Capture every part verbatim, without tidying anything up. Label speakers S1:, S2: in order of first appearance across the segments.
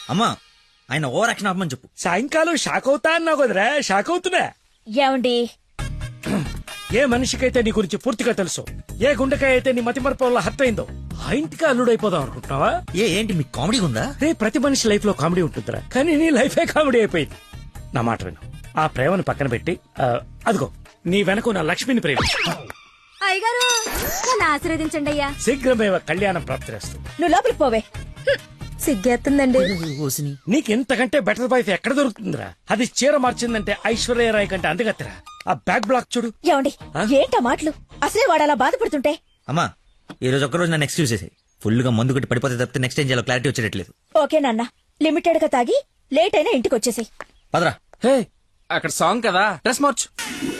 S1: అమ్మా ఆయన over action ఆపమని చెప్పు.
S2: సాయంకాలం షాక్ అవుతా అన్నావు కదరా, షాక్ అవుతున్నా.
S3: ఏమండి
S2: ఏ మనిషికైతే నీ గురించి పూర్తిగా తెలుసు, ఏ గుండెకాయ అయితే నీ మతి మరపు వల్ల హత్య అయిందో ఆ ఇంటికి అల్లుడైపోదాం అనుకుంటున్నావా?
S1: ఏ ఏంటి మీకు కామెడీ ఉందా?
S2: రే ప్రతి మనిషి లైఫ్ లో కామెడీ ఉంటుందిరా, కానీ నీ లైఫే కామెడీ అయిపోయింది. నా మాట విను, ఆ ప్రేమను పక్కన పెట్టి ఆ, అదిగో నీ వెనక నా లక్ష్మిని ప్రేమ
S3: అయ్యగారు నన్ను ఆశీర్వదించండి అయ్యా.
S2: శీఘ్రమేవ కళ్యాణం ప్రాప్తిరేస్తుంది.
S3: నువ్వు లోపలికి పోవే. సిగ్గేస్తుందండి.
S2: నీకు ఇంతకంటే బెటర్ వైఫ్ ఎక్కడ దొరుకుతుందిరా? అది చీర మార్చిందంటే ఐశ్వర్యరాయ్ కంటే అందుగత్తరా. ఆ బ్యాక్ బ్లాక్ చూడు.
S3: ఏమండి ఏంటా మాటలు? అసలే వాడు అలా బాధపడుతుంటే.
S1: అమ్మా ఈ రోజు ఒక్కరోజు నన్ను ఎక్స్క్యూజ్ చేసేది. ఫుల్ గా మందు కొట్టి పడిపోతే తప్పితే నెక్స్ట్ ఏం చేయాలో క్లారిటీ వచ్చేటట్లేదు.
S3: ఓకే నాన్న, లిమిటెడ్ గా తాగి లేట్ అయినా ఇంటికి వచ్చేసాయి.
S1: పదరా.
S4: హే అక్కడ సాంగ్ కదా, డ్రెస్ మార్చు.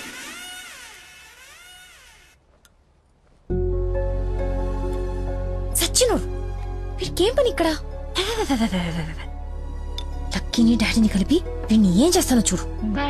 S3: సచ్చిను వీడికేం పని ఇక్కడ? లక్కీని డాడీని కలిపి వీడిని ఏం చేస్తానో చూడు.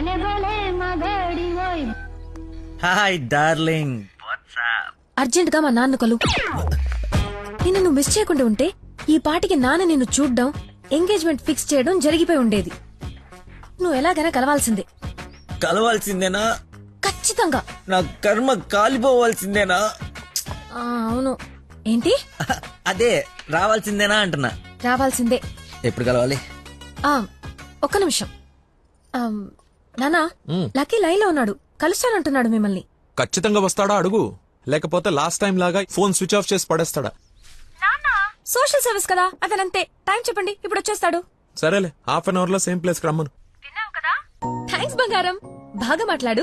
S1: Hi darling.
S3: అర్జెంట్ గా మా నాన్న కలు. నిన్ను నువ్వు మిస్ చేయకుండా ఉంటే ఈ పాటికి నాన్న నిన్ను చూడ్డం, ఎంగేజ్మెంట్ ఫిక్స్ చేయడం జరిగిపోయి ఉండేది. నువ్వు ఎలాగైనా కలవాల్సిందే.
S1: కలవాల్సిందేనా?
S3: ఖచ్చితంగా.
S1: నా కర్మ కాలిపోవాల్సిందేనా?
S3: ఆ, అవును. ఏంటి?
S1: అదే రావాల్సిందేనా అంటున్నా.
S3: రావాల్సిందే.
S1: ఎప్పుడు కలవాలి?
S3: ఆ ఒక్క నిమిషం. ఆ, నానా లక్కీ లైన్ లో ఉన్నాడు, కలుస్తానంటున్నాడు మిమ్మల్ని.
S4: ఖచ్చితంగా వస్తాడా అడుగు, లేకపోతే లాస్ట్ టైం లాగా ఫోన్ స్విచ్ ఆఫ్ చేసి పడేస్తాడా?
S3: సోషల్ సర్వీస్ కదా, అతనంతే. టైం చెప్పండి, ఇప్పుడు వచ్చేస్తాడు.
S4: సరేలే, హాఫ్ అన్ అవర్ లో సేమ్ ప్లేస్ కి రమ్మను.
S3: థ్యాంక్స్ బంగారం, బాగా మాట్లాడు.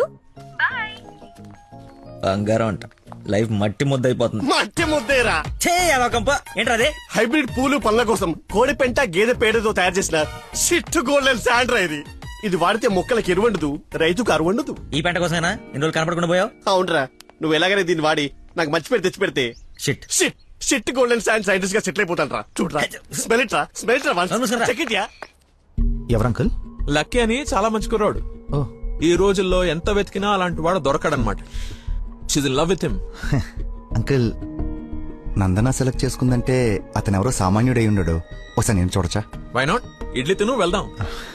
S1: బంగారం అంట, లైఫ్ మట్టి ముద్ద అయిపోతుంది.
S5: మట్టి ముద్దేరా
S1: ఏంట్రా అదే?
S5: హైబ్రిడ్ పూలు పళ్ళ కోసం కోడి పెంట గేదె పేడతో తయారు చేసిన షిట్ గోల్డెన్ శాండ్రా ఇది. ఇది వాడితే మొక్కలకు ఎరువండదు, రైతుకు అరువండదు.
S1: ఈ పంట కోసమేనా ఇన్ని రోజులు కనపడకుండా పోయావు?
S5: అవునరా, నువ్వు ఎలాగైనా దీన్ని వాడి నాకు మంచి పేరు తెచ్చి పెడితే
S1: shit
S5: shit shit golden sand scientist గా సెటిల్ అయిపోతాను రా. చూడరా, స్మెల్ ఇట్ రా, స్మెల్ ఇట్ రా, చెక్ ఇట్ యా.
S6: ఎవరంకుల్?
S4: లక్కీ అని చాలా మంచి కుర్రాడు. ఈ రోజుల్లో ఎంత వెతికినా అలాంటి వాడు దొరకడనమాట. She's in love with him.
S6: Uncle, Nandana select చేసుకుందంటే అతను ఎవరో సామాన్యుడై ఉండడు. ఒకసారి నేను చూడచ్చా?
S4: Why not? ఇడ్లీ తిను, వెళ్దాం.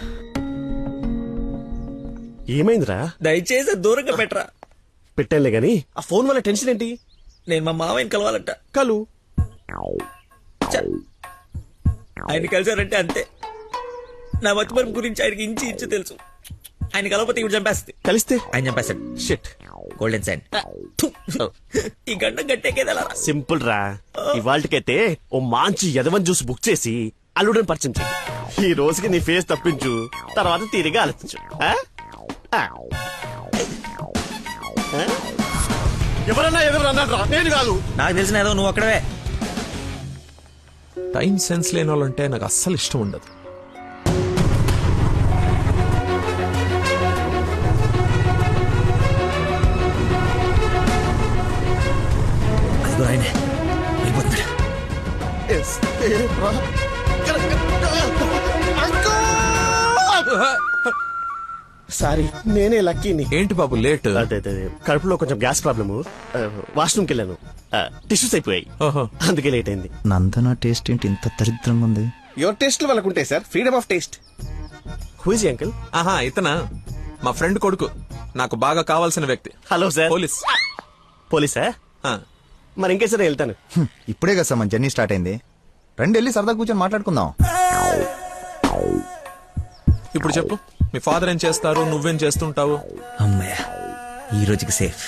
S5: ఏమైందిరా?
S1: దయచేసి దూరంగా పెట్టరా.
S5: పెట్టానులే గాని ఆ ఫోన్ వల్ల టెన్షన్ ఏంటి?
S1: నేను మా మావయ్యని కలవాలంట.
S5: కలు
S1: చ్చ. ఆయన కలిసారంటే అంతే. నా మతిమరుపు గురించి ఆయనకి ఇంచి ఇంచు తెలుసు. ఆయన కలవకపోతే ఇవి చంపేస్తుంది.
S5: కలిస్తే
S1: ఆయన చంపేస్తాడు.
S5: Shit
S1: golden sign. ఈ గంట గట్టేకేదలా.
S5: సింపుల్ రా, ఇవాళకైతే ఓ మంచి యదవన్ జ్యూస్ బుక్ చేసి అల్లుడని పరిచయం చెయ్యి. ఈ రోజుకి నీ ఫేస్ తప్పించు, తర్వాత తీరిగా ఆలోచించు. ఆ? ఆ. ఆ? ఎవరన్నా ఎదురన్నా నేను కాదు.
S1: నాకు తెలిసిన ఏదో నువ్వు అక్కడవే.
S4: టైం సెన్స్ లేని వాళ్ళంటే నాకు అస్సలు ఇష్టం ఉండదు.
S1: ఆయనే వెళ్ళిపోతున్నాడు.
S5: సారీ, నేనే లక్కీని.
S4: ఏంటి బాబు లేట్?
S5: అదే అదే కడుపులో కొంచెం గ్యాస్ ప్రాబ్లము, వాష్రూమ్కి వెళ్ళాను, టిష్యూస్ అయిపోయాయి,
S4: ఓహో.
S5: అందుకే లేట్ అయింది.
S6: నందన టేస్ట్ ఏంటి ఇంత దరిద్రంగా ఉంది?
S5: యువర్ టేస్ట్ వాళ్ళకు ఉంటాయి sir, freedom of taste. Who is uncle?
S4: ఆహా, ఇతనా మా ఫ్రెండ్ కొడుకు, నాకు బాగా కావాల్సిన వ్యక్తి.
S5: Hello sir.
S4: పోలీస్.
S5: పోలీసా?
S4: ఆ.
S5: మరి ఇంకే సరే వెళ్తాను.
S6: హ్మ్, ఇప్పుడే కదా సార్ మన జర్నీ స్టార్ట్ అయింది. రండి వెళ్ళి సరదా కూర్చొని మాట్లాడుకుందాం.
S4: ఇప్పుడు చెప్పు, మీ ఫాదర్ ఏం చేస్తారు, నువ్వేం చేస్తుంటావు?
S1: అమ్మయ్య, ఈ రోజుకి సేఫ్.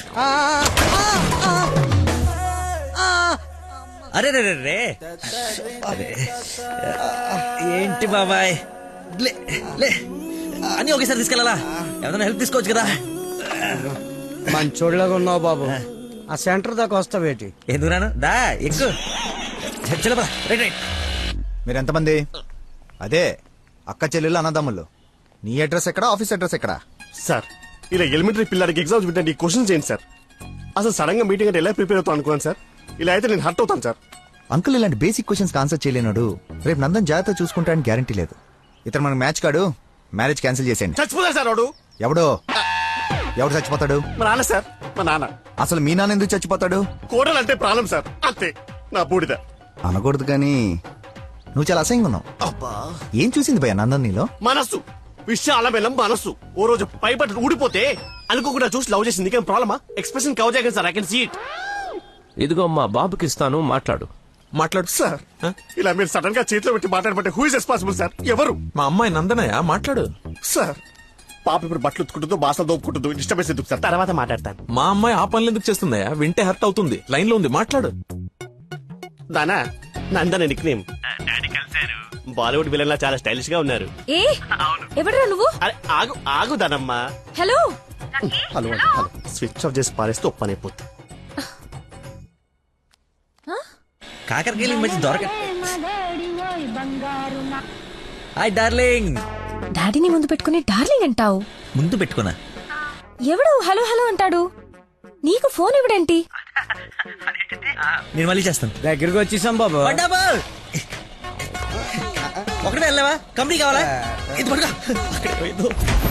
S1: అరే రే రే రే అరే ఏంటి బాబాయ్, లే లే అని ఒకేసారి తీసుకెళ్ళాలా? ఏదైనా హెల్ప్ తీసుకోవచ్చు కదా.
S2: మంచోళ్ళగా ఉన్నావు బాబు, ఆ సెంటర్ దాకా వస్తావేటి?
S1: ఎందుకు రాను, దా ఎక్కు. చలో రైట్ రైట్.
S6: మీరు ఎంతమంది? అదే అక్క చెల్లెళ్ళు అన్నదమ్ములు. నీ అడ్రస్ ఎక్కడ, ఆఫీస్ అడ్రస్ ఎక్కడ?
S5: సార్, ఇలా ఎలిమెంటరీ పిల్లలకి ఎగ్జామ్స్ పెట్టండి, క్వశ్చన్స్ ఏంటి సార్? అసలు సడన్ గా మీటింగ్ అంటే ఎలా ప్రిపేర్ అవుతాను అనుకున్నాను సార్. ఇలా అయితే నేను హర్ట్ అవుతాను సార్.
S6: అంకుల్, ఇలాంటి బేసిక్ క్వశ్చన్స్ ఆన్సర్ చేయలేనాడు. రేపు నందన్ జాగ్రత్త చూసుకుంటానికి గ్యారంటీ లేదు. ఇతను మనకు మ్యాచ్ కాడు, మ్యారేజ్ క్యాన్సిల్ చేసేయండి.
S5: చచ్చిపోతారు సార్ వాడు.
S6: ఎవడో ఎవడు చచ్చిపోతాడు?
S5: మా నాన్న సార్, మా నాన్న.
S6: అసలు మీ నాన్న ఎందుకు చచ్చిపోతాడు?
S5: కోడలు అంటే ప్రాణం సార్, అంతే. నా బూడిద
S6: అనకూడదు కానీ నువ్వు చాలా అసహ్యంగా ఉన్నావు.
S5: అబ్బా.
S6: ఏం చూసింది భయ నందన్ నీలో?
S5: మనస్సు విశాల బెల్లం మనస్సు. ఓ రోజు పై బట్టలు ఊడిపోతే అనుకోకుండా చూసి లవ్ చేసింది. నీకేం ప్రాబ్లమా? ఎక్స్ప్రెషన్ కవర్ చేయగలను sir. I can see it.
S7: ఇదిగో మా బాబుకి ఇస్తాను, మాట్లాడు.
S4: మాట్లాడు
S5: సార్ ఇలా మీరు సడన్ గా చేతిలో పెట్టి మాట్లాడబట్టే హూ ఇస్ రెస్పాన్సిబుల్ సార్? ఎవరు?
S4: మా అమ్మాయి నందనయ్య, మాట్లాడు.
S5: సార్ పాప ఇప్పుడు బట్టలు ఉత్తుకుంటుందో బాసలు దోపుకుంటుందో డిస్టర్బెన్స్ ఎందుకు సార్? తర్వాత మాట్లాడతాను.
S4: మా అమ్మాయి ఆ పనులు ఎందుకు చేస్తుందయ్యా? వింటే హర్ట్ అవుతుంది. లైన్ లో ఉంది, మాట్లాడు.
S5: దానా Nandana nickname. Bollywood villain లా చాలా స్టైలిష్ గా ఉన్నారు.
S3: ఏ ఎవడరా నువ్వు?
S5: అరే ఆగు ఆగు దానమ్మా.
S3: Hello
S5: hello hello switch off చేసి పారేస్తే ఒప్పనైపోతుంది.
S1: కాకరకాయలు ఈ మధ్య దొరక. Hi darling.
S3: డాడీని ముందు పెట్టుకుని డార్లింగ్ అంటావు?
S1: ముందు పెట్టుకున్నా.
S3: ఎవడు హలో హలో అంటాడు? నీకు ఫోన్ ఎవడంటి?
S1: నేను మళ్ళీ చేస్తాను.
S2: దగ్గరికి వచ్చేసాం బాబు.
S1: ఒకటే వెళ్ళావా? కంపెనీ కావాలా? ఇది పడుకో. అక్కడికి పోయిందో.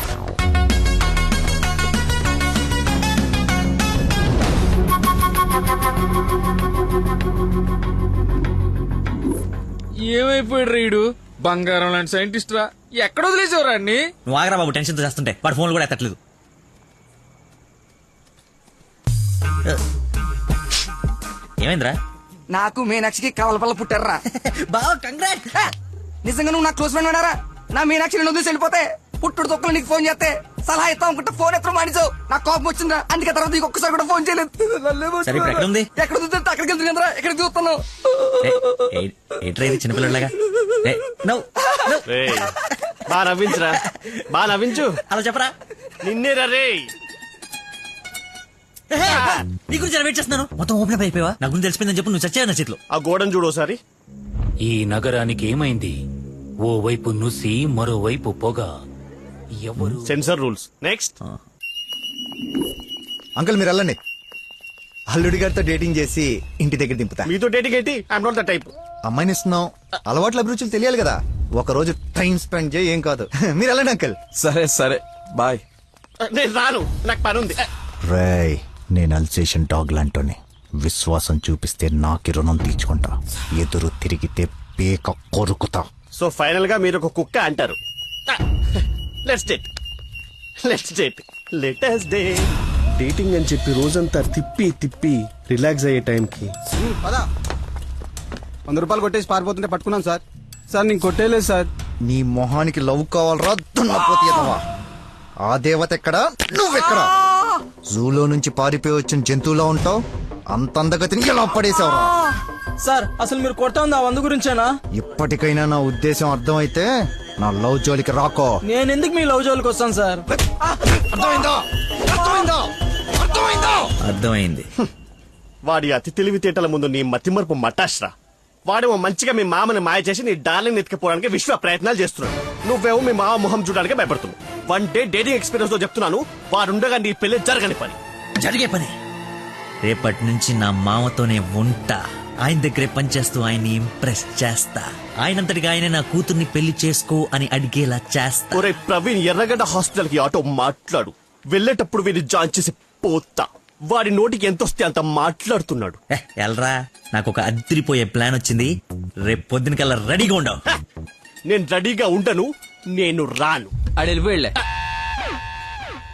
S8: ఏమైపోయాడు రీడు? బంగారం లాంటి సైంటిస్ట్ రా. ఎక్కడ వదిలేసేవరా అన్ని?
S1: నువ్వు ఆగరా బాబు, టెన్షన్ తో చేస్తుంటే. వాడు ఫోన్లు కూడా ఎత్తట్లేదు. ఏమైందిరా?
S9: నాకు మీనాక్షికి కవలపల్ల పుట్టారా.
S1: బావ కంగ్రాట్.
S9: నిజంగా నువ్వు నా క్లోజ్ ఫ్రెండ్ ఉన్నారా? నా మీనాక్షి నేను వదిలేసి వెళ్ళిపోతే పుట్టుడు తొక్కలు నీకు ఫోన్ చేస్తే సలహా ఇస్తాం అనుకుంటే ఫోన్ ఎత్తడం మానేసావు. నాకు కోపం వచ్చిందా, అందుకే తర్వాత నీకు ఒక్కసారి కూడా ఫోన్ చేయలేదు.
S1: సరే ఇప్పుడు ఎక్కడ ఉంది?
S9: ఎక్కడ చూస్తే అక్కడికి వెళ్తుంది కదరా, ఎక్కడ చూస్తున్నావు?
S1: ఏంట్రా ఇది చిన్నపిల్లలాగా?
S5: రేయ్, బా నవ్వించురా, బా నవ్వించు.
S1: అలా చెప్పరా.
S5: నిన్నేరా రే.
S1: నీ గురించి వెయిట్ చేస్తున్నాను. మొత్తం ఓపెన్ అప్ అయిపోయావా? నా గురించి తెలిసిపోయిందని చెప్పు. నువ్వు చచ్చావు నా చేతిలో.
S5: ఆ గోడను చూడు ఒకసారి.
S2: ఈ నగరానికి ఏమైంది? ఓ వైపు నుసి, మరోవైపు పొగ. ఎవరు?
S5: Sensor rules. నెక్స్ట్.
S6: అంకుల్ మీరు వెళ్ళండి. అల్లుడి గారితో డేటింగ్ చేసి ఇంటి దగ్గర దింపుతా.
S5: మీతో డేటింగ్ ఏంటి? I'm not the type.
S6: అమ్మాయిని ఇస్తున్నాం, అలవాట్ల అభిరుచులు తెలియాలి కదా. ఒక రోజు టైం స్పెండ్ చేయి, ఏం కాదు. మీరు వెళ్ళండి అంకుల్.
S4: సరే సరే బాయ్.
S5: నేను రాను, నాకు పని ఉంది.
S6: రేయ్, నేను అల్సేషన్ డాగ్ లాంటోని. విశ్వాసం చూపిస్తే నాకి రుణం తీర్చుకుంటా, ఎదురు తిరిగితే పేక కొరుకుతా.
S5: సో ఫైనల్ గా మీరు ఒక కుక్క అంటారు. Let's date let's date let us day. Dating అని చెప్పి రోజంతా తిప్పి తిప్పి రిలాక్స్ అయ్యే టైంకి
S9: వంద రూపాయలు కొట్టేసి పారిపోతుంటే పట్టుకున్నాం సార్. సార్ నేను కొట్టేయలేదు సార్.
S6: నీ మొహానికి లవ్ కావాలరా దున్నపోతే ఎదవా? ఆ దేవత ఎక్కడా, నువ్వెక్కడా? జూలో నుంచి పారిపోయి వచ్చిన జంతువులా ఉంటావు. అంత అందగతిని ఎలా పడేసావురా?
S9: సార్ అసలు మీరు కొడతా ఉంది ఆ వంద గురించేనా?
S6: ఇప్పటికైనా నా ఉద్దేశం అర్థమైతే నా లవ్ జోలికి రాకో.
S9: నేను ఎందుకు మీ లవ్ జోలికి వస్తాను సార్?
S6: అర్థమైందా? అర్థమైందా? అర్థమైందా?
S1: అర్థమైంది.
S5: వాడి అతి తెలివితేటల ముందు నీ మతిమరుపు మటాష్రా. వాడేమో మంచిగా మీ మామని మాయ చేసి నీ డార్లింగ్ ఎత్తుకుపోవడానికి విశ్వ ప్రయత్నాలు చేస్తున్నాడు. నువ్వేమో మీ మామ మొహం చూడడానికి భయపడుతున్నావు. వన్ డే డేటింగ్ ఎక్స్పీరియన్స్ తో చెప్తున్నాను, వాడుండగా నీ పెళ్లి జరగని పని.
S1: జరిగే పని. రేపటి నుంచి నా మామతోనే ఉంటా. ఆయన దగ్గరే పనిచేస్తూ ఆయన్ని ఇంప్రెస్ చేస్తా. ఆయనంతటిగా ఆయన నా కూతుర్ని పెళ్లి చేసుకో అని అడిగేలా చేస్తా.
S5: ఒరే ప్రవీణ్, ఎర్రగడ్డ హాస్పిటల్ కి ఆటో మాట్లాడు. వెళ్ళేటప్పుడు వీడిని జాయిన్ చేసి పోతా. వాడి నోటికి ఎంత వస్తే అంత మాట్లాడుతున్నాడు.
S1: ఎల్రా, నాకు ఒక అదిరిపోయే ప్లాన్ వచ్చింది. రేపు పొద్దున కల్లా రెడీగా ఉండవు.
S5: నేను రెడీగా ఉండను, నేను రాను.
S8: ఆడు వెళ్ళిపోయాడులే.